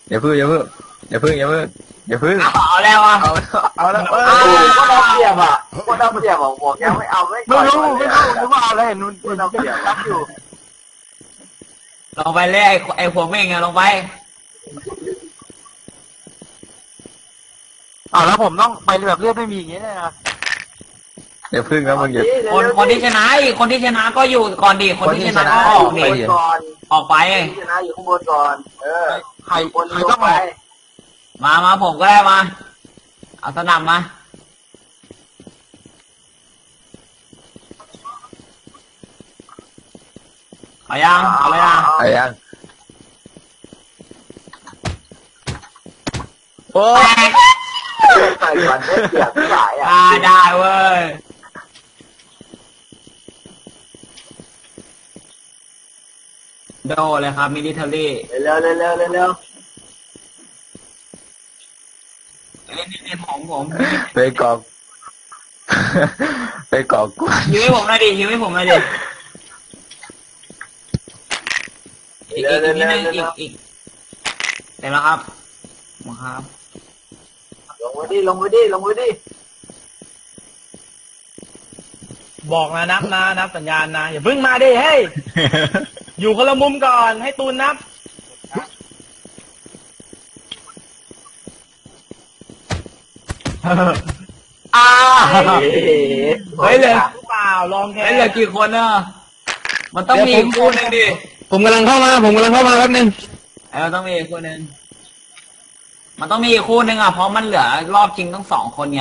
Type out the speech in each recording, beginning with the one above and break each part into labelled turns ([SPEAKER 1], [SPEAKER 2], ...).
[SPEAKER 1] อย่าพึ่งอย่าพึ่งอย่าพึ่งอย่าพึ่งอย่าพึ่ง
[SPEAKER 2] เอาแล้วอ่ะ
[SPEAKER 1] เอาแล้ว
[SPEAKER 3] ก็ได้เปรียบอ่ะก็ได้เปรียบบอกยังไม่เอาไม่
[SPEAKER 1] รู้นึกว่าเอาแล้วเห็น
[SPEAKER 3] ก็ได้เปรียบรับอยู่
[SPEAKER 2] ลงไปเลยไอ้หัวเม่งอะลงไป
[SPEAKER 1] แล้วผมต้องไปแบบเลือดไม่มีอย่างเงี้ยนะอย่าพึ่งนะมึงอย่า
[SPEAKER 2] คนที่ชนะคนที่ชนะก็อยู่ก่อนดิคนที่ชนะก็ออกดิออกไป
[SPEAKER 3] ชนะอยู่ข้างบนก่อน
[SPEAKER 1] ใครต้องไป
[SPEAKER 2] มาผมก็ได้มาเอาสนับมาเอายังเอาเลยนะ
[SPEAKER 1] เอายังโอ้
[SPEAKER 3] ใส่ก่อนได้เปรียบหลาย
[SPEAKER 2] ได้เว้ยโดเลยครับมิลิเทอรี่
[SPEAKER 3] เร็วเล่
[SPEAKER 2] นผม
[SPEAKER 1] ไปกอกกู
[SPEAKER 2] ยื้อให้ผมหน่อยดิยื้อให้ผมหน่อยดิอีกนิดนึงอีกเต็มแล้วครับครับ
[SPEAKER 3] ลงไปดิ
[SPEAKER 4] บอกนะนับสัญญาณนะอย่าเพิ่งมาดิเฮ้ยอยู่คนละมุมก่อนให้ตูนนับ
[SPEAKER 2] เฮ้ยเลย
[SPEAKER 4] เปล่าลองแค่
[SPEAKER 2] เหลือกี่คนอ่ะมันต้องมีคู่นึงดิ
[SPEAKER 1] ผมกำลังเข้ามาแป๊บนึง
[SPEAKER 2] ต้องมีคู่นึงมันต้องมีคู่นึงอ่ะเพราะมันเหลือรอบจริงต้อง2 คนไง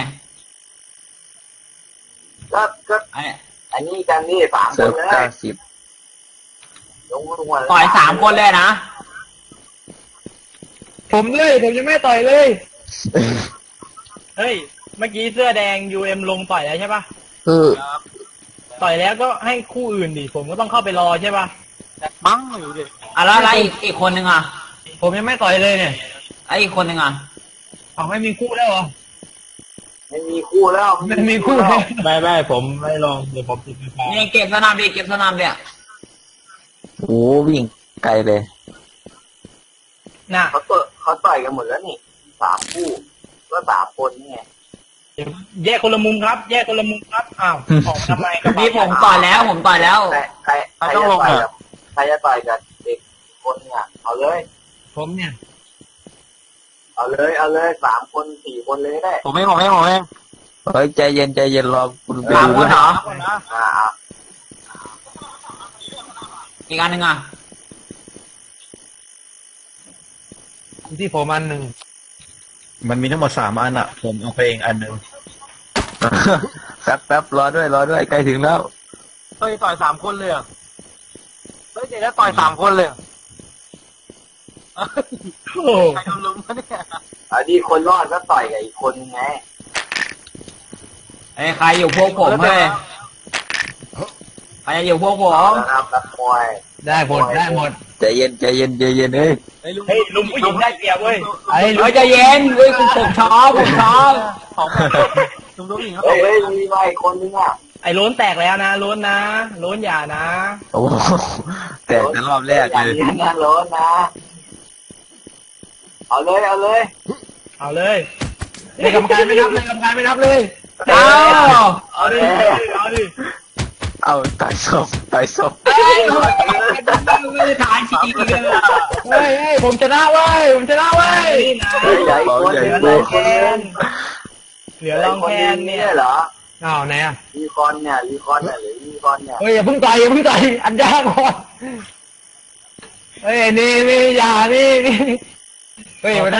[SPEAKER 3] ก็อันนี้กันนี่3 คนเลย
[SPEAKER 2] ต่อย3 คนเลยนะ
[SPEAKER 4] ผมยังไม่ต่อยเลย เฮ้ยเมื่อกี้เสื้อแดง UM ลงต่อยแล้วใช่ปะต่อยแล้วก็ให้คู่อื่นดิผมก็ต้องเข้าไปรอใช่ปะ
[SPEAKER 1] มั้งอยู่ดิ
[SPEAKER 2] แล้วอะไรอีกคนนึงอ่ะ
[SPEAKER 4] ผมยังไม่ต่อยเลยเนี่ย
[SPEAKER 2] อีกคนนึงอ่ะ
[SPEAKER 4] ไม่มีคู่แล้วเหรอ
[SPEAKER 3] ไม่มีคู่แล้ว
[SPEAKER 4] ไม่ผมไม่ลองเดี๋ยวผมติดไฟ
[SPEAKER 2] นี่เก็บสนามเนี่ย
[SPEAKER 1] โอ้วิ่งไกลเลย
[SPEAKER 3] น่ะเขาต่อยกันหมดแล้วนี่3 คู่ก็3 คนนี่ไง
[SPEAKER 4] แยกคนละมุมครับอ้าวออกทำไมกับ
[SPEAKER 2] นี่ผมต่อยแล้ว
[SPEAKER 3] ใครต้องลงใครจะต่อยกับเด็กคนเนี่ยเอาเลย
[SPEAKER 4] ผมเนี่ย
[SPEAKER 3] เอาเลย3 คน4 คนเลยได้
[SPEAKER 1] ผมไม่เฮ้ยใจเย็นรอคุณ
[SPEAKER 2] 3 คนเหรออีกอันนึงอ่ะ
[SPEAKER 4] ที่ผมอันหนึ่ง
[SPEAKER 1] มันมีทั้งหมด3 อันอ่ะผมเอาไปเองอันนึงแป๊บรอด้วยใกล้ถึงแล้ว
[SPEAKER 4] เฮ้ยต่อย3 คนเลยเฮ้ยเดี๋ยวต่อย3 คนเลยใครโดนลุมวะเนี่ย
[SPEAKER 3] อันนี้คนรอดก็ต่อยกับอีกคนไง
[SPEAKER 2] ใครอยู่พวกผมเฮ้ยใครอยู่พวกผม
[SPEAKER 4] ได้หมด
[SPEAKER 1] ใจเย็นเฮ้
[SPEAKER 4] ยลุงผู้หญิงได้เปรียบเว้ย
[SPEAKER 2] ใจเย็นเว้ยผมชอบ
[SPEAKER 4] ลุงผู้หญิงเขา
[SPEAKER 3] เฮ้ยมีมาอีกคนนึงอ่ะ
[SPEAKER 4] ไอ้ล้นแตกแล้วนะล้นอย่านะ
[SPEAKER 1] โอ้แตกแต่รอบแรกเลย
[SPEAKER 3] นะล้นนะเอาเลย
[SPEAKER 4] กรรมการไม่นับเลยเอาดิ
[SPEAKER 1] เอาตายศพ
[SPEAKER 2] ถ่ายชีเลย
[SPEAKER 4] เฮ้ยผมชนะเว้ย
[SPEAKER 3] ใหญ่คนเหลือลองแคนเนี่ยเหรอ
[SPEAKER 4] ไหนอ่ะ
[SPEAKER 3] รีคอนเนี่ยหรือรีคอนเนี่ย
[SPEAKER 4] เฮ้ยอย่าเพิ่งต่อยอันยากก่อนเฮ้ยนี่อย่านี่เฮ้ยวันนั้น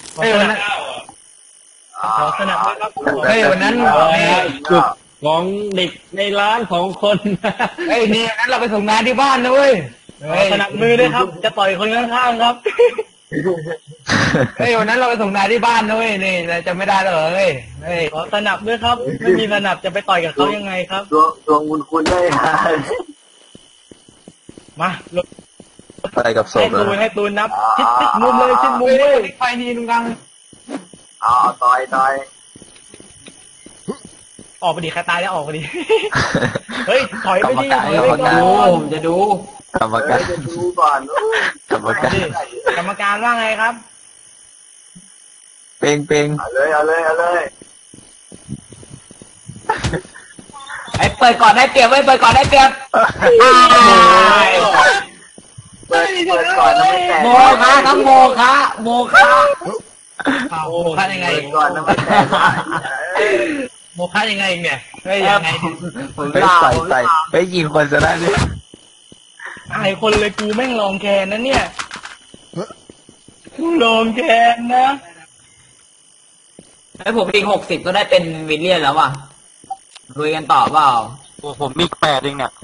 [SPEAKER 4] ขอสนับสนุนครับเฮ้ยวันนั้นจุดของเด็กในร้าน2 คนเฮ้ยนี่งั้นเราไปส่งงานที่บ้านนะเว้ยสนับมือด้วยครับจะต่อยคนข้างๆครับเฮ้ยวันนั้นเราไปส่งงานที่บ้านนะเว้ยนี่จะไม่ได้เลยเฮ้ยขอสนับด้วยครับไม่มีสนับจะไปต่อยกับเขายังไงครับ
[SPEAKER 3] ดวงคุณได้
[SPEAKER 4] มา
[SPEAKER 1] ไปกับศพ
[SPEAKER 4] ให้ตูนนับชิดมุมเลยไฟทีนึงกัง
[SPEAKER 3] ต่อย
[SPEAKER 4] ออกไปดิใครตายแล้วออกไปดิเฮ้ยถอยไปดิ
[SPEAKER 2] ผมจะดู
[SPEAKER 1] กรรมการ
[SPEAKER 3] จะดูก่อน
[SPEAKER 4] กรรมการว่าไงครับ
[SPEAKER 1] เป่ง
[SPEAKER 3] เอาเลยเอาเลยเอาเลย
[SPEAKER 2] ไอ้เปิดก่อนได้เปรียบไว้เปิดก่อนได้เปรียบ
[SPEAKER 3] เปิดก่อนนะไม่แตก
[SPEAKER 2] โมคะครับโมคะโมคะ
[SPEAKER 4] โมฆะยังไง
[SPEAKER 3] เปิดก่อนนะไม่แตก
[SPEAKER 4] โมฆะยังไงเนี่ยเฮ้ยยังไง
[SPEAKER 2] ผม
[SPEAKER 1] ไป
[SPEAKER 2] ลา
[SPEAKER 1] ใส่ไปยิงคนจะได้เนี่ย
[SPEAKER 4] อายคนเลยกูแม่งลองแคนนะเนี่ยกูลองแคนนะ
[SPEAKER 2] ไอ้ผมอีก60ก็ได้เป็นวิลเลียนแล้วว่ะลุยกันต่อเปล่า
[SPEAKER 1] โอ้ผมมี8เองเนี่ย